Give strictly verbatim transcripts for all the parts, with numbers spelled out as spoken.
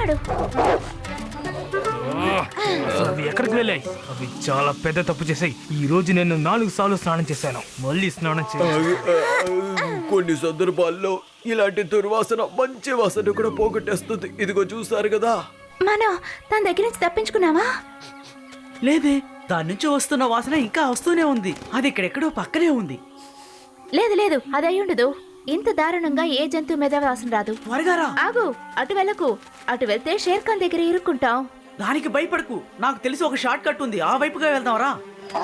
వస్తున్నాడు. అవి ఎక్కడికి వెళ్ళాయి? అవి చాలా పెద్ద తప్పు చేశాయి. ఈ రోజు నేను నాలుగు సార్లు స్నానం చేశాను. మళ్ళీ స్నానం చేయాలి. కొన్ని సందర్భాల్లో ఇలాంటి దుర్వాసన మంచి వాసన కూడా పోగొట్టేస్తుంది. ఇదిగో చూసారు కదా. మనం తన దగ్గర నుంచి తప్పించుకున్నావా? లేదే, దాని నుంచి వస్తున్న వాసన ఇంకా వస్తూనే ఉంది. అది ఇక్కడెక్కడో పక్కనే ఉంది. లేదు లేదు, అది అయి ఉండదు. ఇంత దారుణంగా ఏ జంతువు మీద వాసన రాదు. త్వరగా రా. ఆగు, అటు వెళ్ళకు. అటు వెళ్తే షేర్ ఖాన్ దగ్గర ఇరుక్కుంటాం. దానికి భయపడకు, నాకు తెలిసి ఒక షార్ట్ కట్ ఉంది, ఆ వైపుగా వెళ్దాం రా.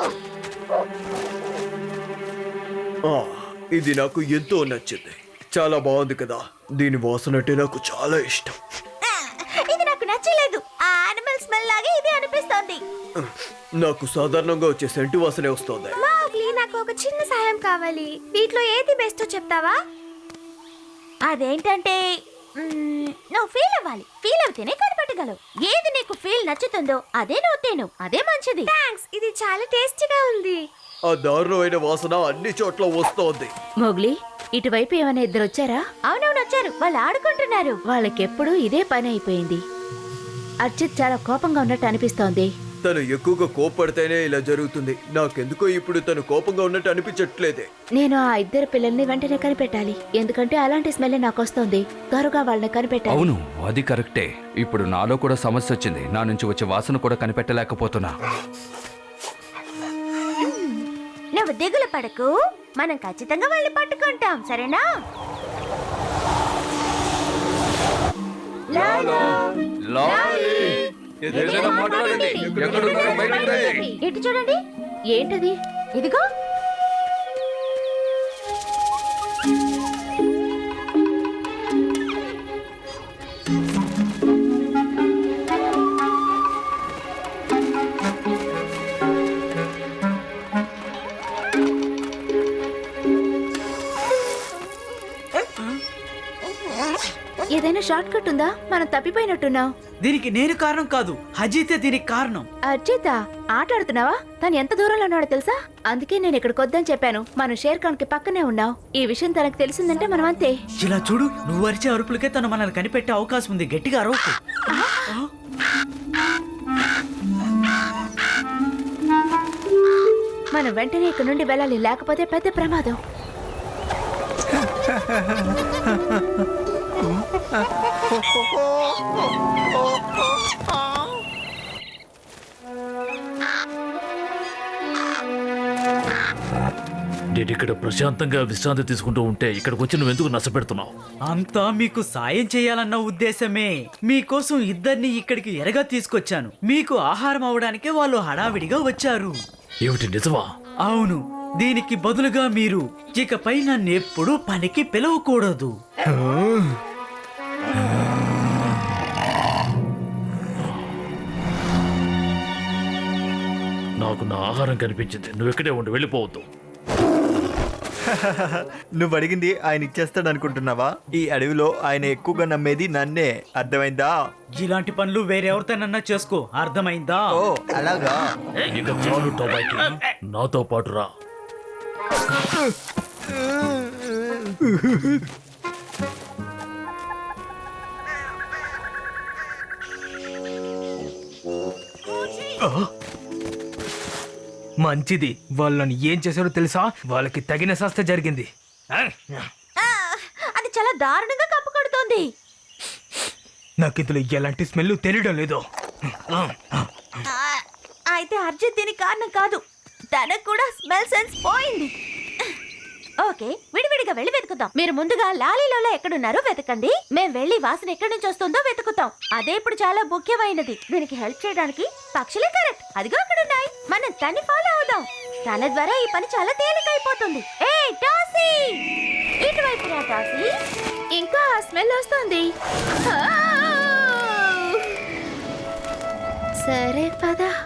ఆ, ఇది నాకు ఎంతో నచ్చింది. చాలా బాగుంది కదా. దీని వాసన అంటే నాకు చాలా ఇష్టం. ఇది నాకు నచ్చలేదు. ఆ యానిమల్ స్మెల్ లాగే ఇది అనిపిస్తోంది. నాకు సాధారణంగా వచ్చే సెంటు వాసనే వస్తుంది. మౌగ్లీ, నాకు ఒక చిన్న సాయం కావాలి. వీటిలో ఏది బెస్టో చెప్తావా? అదేంటంటే నువ్వు ఫీల్ అవ్వాలి. ఫీల్ అవుతేనే కనిపెట్టగలవు. ఏది నీకు ఫీల్ నచ్చుతుందో అదే నువ్వు తిను. అదే మంచిది. థాంక్స్, ఇది చాలా టేస్టీగా ఉంది. ఆ దారుణమైన వాసన అన్ని చోట్ల వస్తోంది. మోగ్లీ, ఇటువైపు ఏమైనా ఇద్దరు వచ్చారా? అవునవును, వచ్చారు. వాళ్ళు ఆడుకుంటున్నారు. వాళ్ళకెప్పుడు ఇదే పని అయిపోయింది. అర్చిత్ చాలా కోపంగా ఉన్నట్టు అనిపిస్తోంది. తను ఎక్కువగా కోపడితేనే ఇలా జరుగుతుంది. నాకెందుకో ఇప్పుడు తను కోపంగా ఉన్నట్టు అనిపించట్లేదే. నేను ఆ ఇద్దరు పిల్లల్ని వెంటనే కనిపెట్టాలి. ఎందుకంటే అలాంటి స్మెల్ నాకు వస్తుంది. త్వరగా వాళ్ళని కనిపెట్టాలి. అవును, అది కరెక్టే. ఇప్పుడు నాలో కూడా సమస్య వచ్చింది. నా నుంచి వచ్చే వాసన కూడా కనిపెట్టలేకపోతున్నా. నువ్వు దిగులు పడకు, మనం ఖచ్చితంగా వాళ్ళని పట్టుకుంటాం, సరేనా? ఏదైనా మాట్లాడండి. ఎక్కడున్నారో బయటికి రండి. ఎటు చూడండి. ఏంటది? ఇదిగో. ఏదైనా షార్ట్ కట్ ఉందా? మనం తప్పిపోయినట్టున్నాం. దీనికి నేను కారణం కాదు, అజితే దీనికి కారణం. అర్జిత, ఆటాడుతున్నావా? తను ఎంత దూరంలో ఉన్నాడో తెలుసా? అందుకే నేను ఇక్కడికి వద్దని చెప్పాను. మనం షేర్ ఖాన్ కి పక్కనే ఉన్నాం. ఈ విషయం తనకు తెలిసిందంటే మనం అంతే. ఇలా చూడు, నువ్వు అరిచే అరుపులకే తను మనల్ని కనిపెట్టే అవకాశం ఉంది. గట్టిగా అరవకు. మనం వెంటనే ఇక్కడ నుండి వెళ్ళాలి, లేకపోతే పెద్ద ప్రమాదం. నేను ఇక్కడ ప్రశాంతంగా విశ్రాంతి తీసుకుంటూ ఉంటే ఇక్కడికి వచ్చి నువ్వు ఎందుకు నష్టపెడుతున్నావు? అంతా మీకు సాయం చేయాలన్న ఉద్దేశమే. మీకోసం ఇద్దరిని ఇక్కడికి ఎరగా తీసుకొచ్చాను. మీకు ఆహారం అవడానికే వాళ్ళు హడావిడిగా వచ్చారు. ఏమిటి, నిజమా? అవును. దీనికి బదులుగా మీరు ఇకపై నన్ను ఎప్పుడూ పనికి పిలవకూడదు. నాకు నా ఆహారం కనిపించింది. నువ్వు ఇక్కడే ఉండి వెళ్ళిపోవద్దు. నువ్వు అడిగింది ఆయన ఇచ్చేస్తాడు అనుకుంటున్నావా? ఈ అడవిలో ఆయన ఎక్కువగా నమ్మేది నన్నే. అర్థమైందా? ఇలాంటి పనులు వేరెవరితోనన్నా చేసుకో, అర్థమైందా? ఓ అలాగా. ఇక చాలు టొబాకి, నాతో పాటు రా. మంచిది. వాళ్ళని ఏం చేశారో తెలుసా? వాళ్ళకి తగిన శాస్త్ర జరిగింది. అది చాలా దారుణంగా కప్పు కొడుతోంది. నాకు ఇందులో ఎలాంటి స్మెల్ తెలియడం లేదు. అయితే అర్జున్ దీని కారణం కాదు. తనకు కూడా స్మెల్ సెన్స్ పోయింది. ఓకే, విడివిడిగా వెళ్ళి వెతుకుతాం. మీరు ముందుగా లాలీలో ఎక్కడున్నారో వెతకండి. మేం వెళ్ళి వాసన ఎక్కడి నుంచి వస్తుందో వెతుకుతాం. అదే ఇప్పుడు చాలా ముఖ్యమైనది. దీనికి హెల్ప్ చేయడానికి పక్షులే కరెక్ట్. అదిగో అక్కడున్నాయి. మనం తన్ని ఫాలో అవుదాం. తన ద్వారా ఈ పని చాలా తేలికైపోతుంది. ఏ టాసీ, ఇటువైపు రా టాసీ. ఇంకా స్మెల్ వస్తుంది. సరే పద.